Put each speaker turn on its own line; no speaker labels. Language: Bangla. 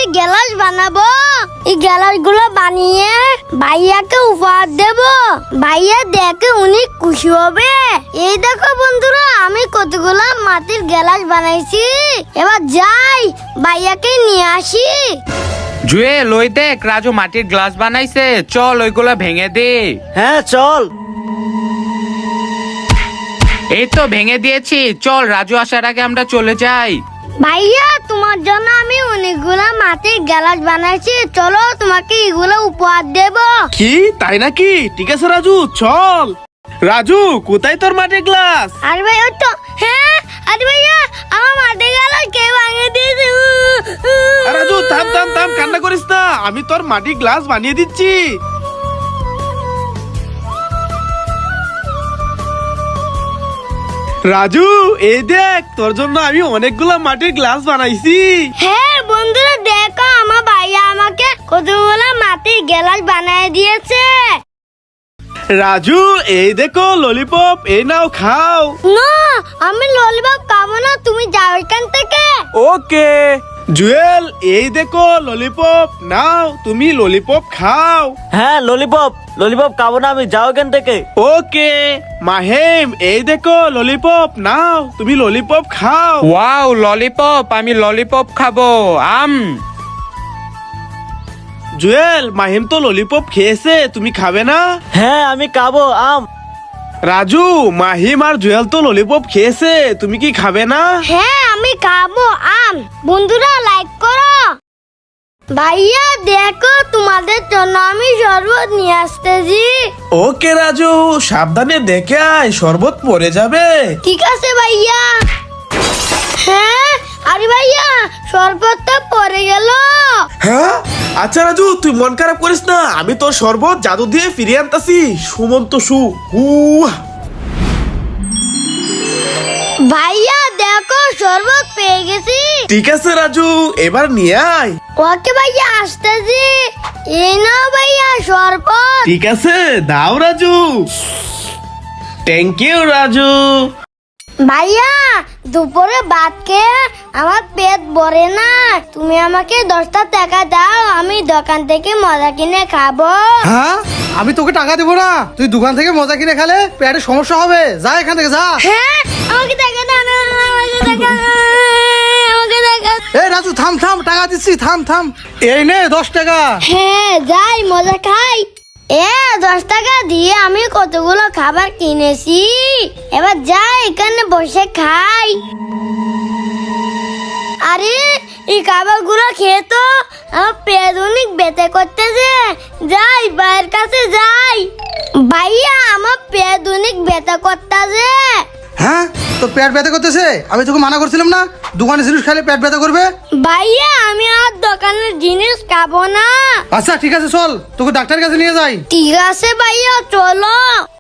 গ্লাস বানাবো। এই গ্লাস গুলো বানিয়ে ভাইয়াকে উপহার দেব। ভাইয়া দেখে অনেক খুশি হবে। এই দেখো বন্ধুরা, আমি কতগুলো মাটির গ্লাস বানাইছি। এবার যাই ভাইয়াকে নিয়ে আসি।
জুয়েল, ওই দেখ রাজু মাটির গ্লাস বানাইছে, চল ওইগুলো ভেঙে দে।
হ্যাঁ চল।
এই তো ভেঙে দিয়েছি, চল রাজু আসার আগে আমরা চলে যাই।
ভাইয়া, তোমার জন্য আমি অনেকগুলো মাটির গ্লাস বানাইছি, চলো তোমাকে এগুলো উপহার দেব।
কি তাই নাকি? ঠিক আছে রাজু, চল। রাজু, কোথায় তোর মাটির গ্লাস?
আরে ভাই, ওই তো, হ্যাঁ, আরে ভাইয়া, আমার মাটির গ্লাস কে ভাঙিয়ে দিয়েছে?
রাজু থাম থাম থাম, কান্না করিস না, আমি তোর মাটির গ্লাস বানিয়ে দিচ্ছি। রাজু, এই দেখ তোর জন্য আমি অনেকগুলো মাটির গ্লাস বানাইছি।
হ্যাঁ বন্ধুরা, দেখো আমার ভাইয়া আমাকে কতগুলো মাটির গ্লাস বানিয়ে দিয়েছে।
রাজু, এই দেখো ললিপপ, এই নাও খাও।
না, আমি ললিপপ খাবো না, তুমি যাও এখান থেকে।
ওকে। জুয়েল, এই দেখো ললিপপ, নাও তুমি ললিপপ খাও।
হ্যাঁ ললিপপ ললিপপ খাবো না আমি, যাও এখান থেকে।
ওকে। মাহিম, এই দেখো ললিপপ, নাও তুমি ললিপপ খাও।
ওয়াও ললিপপ, আমি ললিপপ খাবো।
জুয়েল, মাহিম তো ললিপপ খেয়েছে, তুমি খাবে না?
হ্যাঁ আমি খাবো আম।
রাজু, মাহিম আর জুয়েল তো ললিপপ খেয়েছে, তুমি কি খাবে না?
হ্যাঁ আমি খাবো আম। বন্ধুরা লাইক করো। ভাইয়া দেখো, তোমাদের জন্য আমি শরবত নিয়ে আসতেছি।
ওকে রাজু, সাবধানে দেখে আয়, শরবত পড়ে যাবে।
ঠিক আছে ভাইয়া। হ্যাঁ, আরে ভাইয়া, শরবতটা পড়ে গেল।
হ্যাঁ আচ্ছা রাজু, তুই মন খারাপ করিস না, আমি তোর শরবত জাদু দিয়ে ফিরিয়ে আনতাছি। সুমন্ত সু হু।
ভাইয়া দেখো, শরবত পেয়ে গেছি।
ঠিক আছে রাজু, এবার নিয়ে আয়।
ওকে ভাইয়া, আসতেছি। এই নাও ভাইয়া শরবত।
ঠিক আছে, দাও রাজু। Thank you Raju.
ভাইয়া, দুপুরে ভাত খেয়ে আমার পেট ভরে না, তুমি আমাকে 10টা টাকা দাও, আমি দোকান থেকে মজা কিনে খাবো।
হ্যাঁ, আমি তোকে টাকা দেবো না, তুই দোকান থেকে মজা কিনে খেলে পেটে সমস্যা হবে, যা এখান থেকে যা।
হ্যাঁ, আমাকে টাকা দাও না, আমাকে টাকা, আমাকে টাকা।
এই রাজু থাম থাম, টাকা দিচ্ছি, থাম থাম, এই নে 10 টাকা।
হ্যাঁ, যাই মজা খাই। 10 টাকা দিয়ে আমি কতগুলো খাবার কিনেছি, এবার যাই এখানে বসে খাই। আরে এই খাবারগুলো খেয়ে তো আমার পেট অনেক ব্যথা করতেছে, যাই ভাইয়ের কাছে যাই। ভাইয়া, আমার পেট অনেক ব্যথা করতেছে।
হ্যাঁ, তোর পেট ব্যথা করতেছে? আমি তোকে মানা করছিলাম না, দোকানে জিনিস খেলে পেট ব্যথা করবে।
ভাইয়া, আমি আর দোকানের জিনিস খাবো না।
আচ্ছা ঠিক আছে, চল তোকে ডাক্তারের কাছে নিয়ে যাই।
ঠিক আছে ভাইয়া, চলো।